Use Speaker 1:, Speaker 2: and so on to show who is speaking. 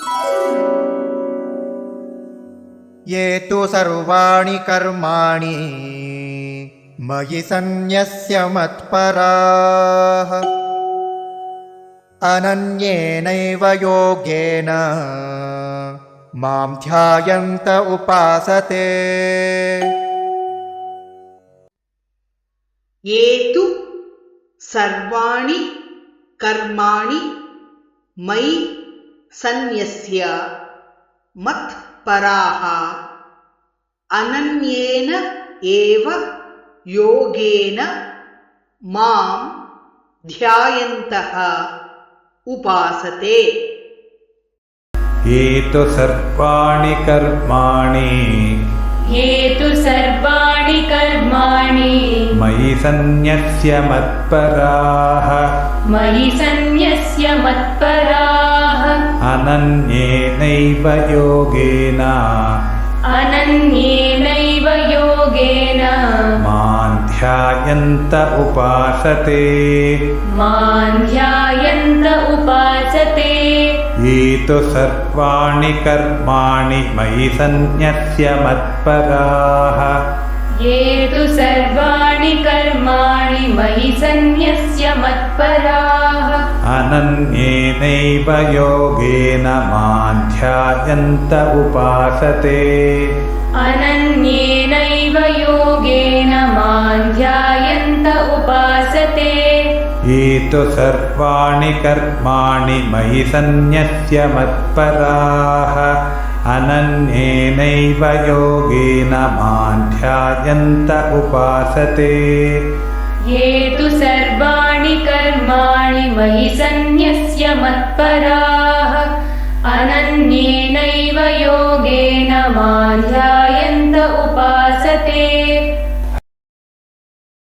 Speaker 1: ये तु सर्वाणि कर्माणि मयि सन्न्यस्य मत्पराः अनन्येनैव योगेन मां ध्यायन्त उपासते।
Speaker 2: ये तु सर्वाणि कर्माणि मयि सन्न्यस्य मत्पराः अनन्येन एव योगेन मां ध्यायन्तः उपासते।
Speaker 3: ये तु सर्वाणि कर्माणि मयि सन्न्यस्य मत्पराः अनन्येनैव योगेन मां ध्यायन्त उपासते। ये तु सर्वाणि कर्माणि मयि सन्न्यस्य मत्पराः अनन्येनैव योगेन मां ध्यायन्त उपासते। ये तु सर्वाणि कर्माणि मयि सन्न्यस्य मत्पराः अनन्येनैव योगेन मां ध्यायन्त उपासते।
Speaker 4: ये तु सर्वाणि कर्माणि मयि सन्न्यस्य मत्पराः अनन्येनैव योगेन मां ध्यायन्त उपासते।